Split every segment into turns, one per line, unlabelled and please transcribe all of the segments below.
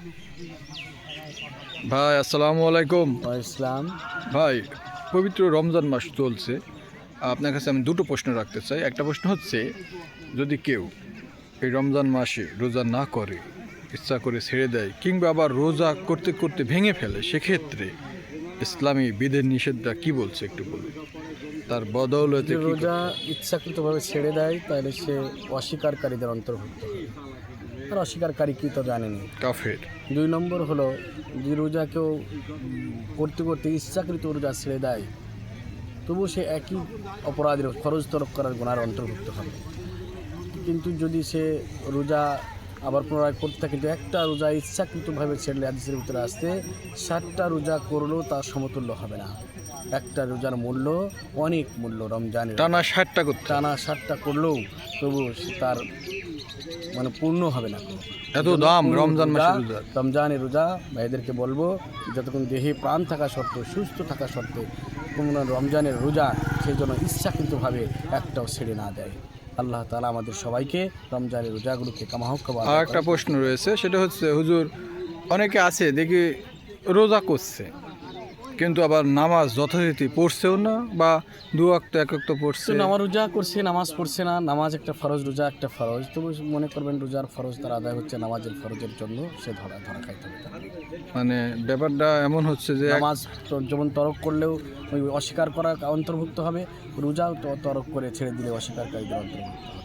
ভাই আসসালামু আলাইকুম।
ইসলাম।
ভাই, পবিত্র রমজান মাস চলছে, আপনার কাছে আমি দুটো প্রশ্ন রাখতে চাই। একটা প্রশ্ন হচ্ছে, যদি কেউ এই রমজান মাসে রোজা না করে, ইচ্ছা করে ছেড়ে দেয়, কিংবা আবার রোজা করতে করতে ভেঙে ফেলে, সেক্ষেত্রে ইসলামী বিধের নিষেধটা কি বলছে একটু বলুন। তার বদৌলতে
যদি
কি
রোজা ইচ্ছাকৃতভাবে ছেড়ে দেয় তাহলে সে অস্বীকারীদের অন্তর্ভুক্ত হবে। আর অস্বীকারী কি তো জানেনি।
কাফের।
2 নম্বর হলো, যদি রোজা কেউ করতে করতে ইচ্ছাকৃত রোজা ছেড়ে দেয়, তবু সে একই অপরাধের ফরজ তরক করার গুনার অন্তর্ভুক্ত হবে। কিন্তু যদি সে রোজা আবার পুনরায় করতে থাকে, কিন্তু একটা রোজা ইচ্ছাকৃতভাবে ছেড়লে হাদিসের ভিতরে আসতে 7টা রোজা করলেও তার সমতুল্য হবে না। একটা রোজার মূল্য অনেক মূল্য। রমজানের
টানা 60টা করতে
টানা 7টা করলেও তবু তার পূর্ণ হবে না।
এত দাম রমজান মাসের রোজা।
রমজানের রোজা ভাইদেরকে বলবো, যতক্ষণ দেহে প্রাণ থাকা সত্ত্বেও, সুস্থ থাকা সত্ত্বেও কোনো রমজানের রোজা সেই জন্য ইচ্ছাকৃতভাবে একটাও ছেড়ে না দেয়। আল্লাহ তাআলা আমাদের সবাইকে রমজানের রোজাগুলোকে কামাহক্কা।
আর একটা প্রশ্ন রয়েছে, সেটা হচ্ছে, হুজুর, অনেকে আছে দেখি রোজা করছে কিন্তু আবার নামাজ যথারীতি পড়ছেও না, বা দু ওয়াক্ত এক ওয়াক্ত পড়ছে।
নামাজ রোজা করছে, নামাজ পড়ছে না। নামাজ একটা ফরজ, রোজা একটা ফরজ। তবু মনে করবেন রোজার ফরজ তার আদায় হচ্ছে, নামাজের ফরজের জন্য সে ধরা খাইতে হবে।
মানে ব্যাপারটা এমন হচ্ছে যে
নামাজ যেমন তরক করলেও ওই অস্বীকার করা অন্তর্ভুক্ত হবে, রোজাও তো তরক করে ছেড়ে দিলে অস্বীকারীদের অন্তর্ভুক্ত হবে।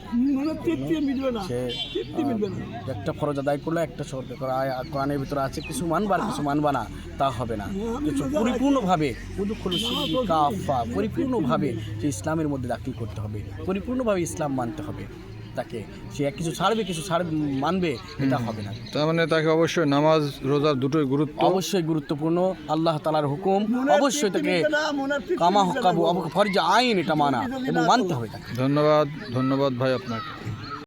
সে একটা ফরজ আদায় করলে একটা শর্ত করা, কোরআনের ভিতরে আছে কিছু মানবা আর কিছু মানবা না, তা হবে না। কিছু পরিপূর্ণভাবে পরিপূর্ণভাবে সে ইসলামের মধ্যে দাখিল করতে হবে, পরিপূর্ণভাবে ইসলাম মানতে হবে তাকে। সে কিছু ছাড়বে, কিছু মানবে, এটা হবে না।
তার মানে তাকে অবশ্যই নামাজ রোজা দুটোই
অবশ্যই গুরুত্বপূর্ণ। আল্লাহ তাআলার হুকুম, অবশ্যই তাকে কামা হকাবু ফরজ আইন এটা মানা এবং মানতে হবে তাকে।
ধন্যবাদ ভাই আপনাকে।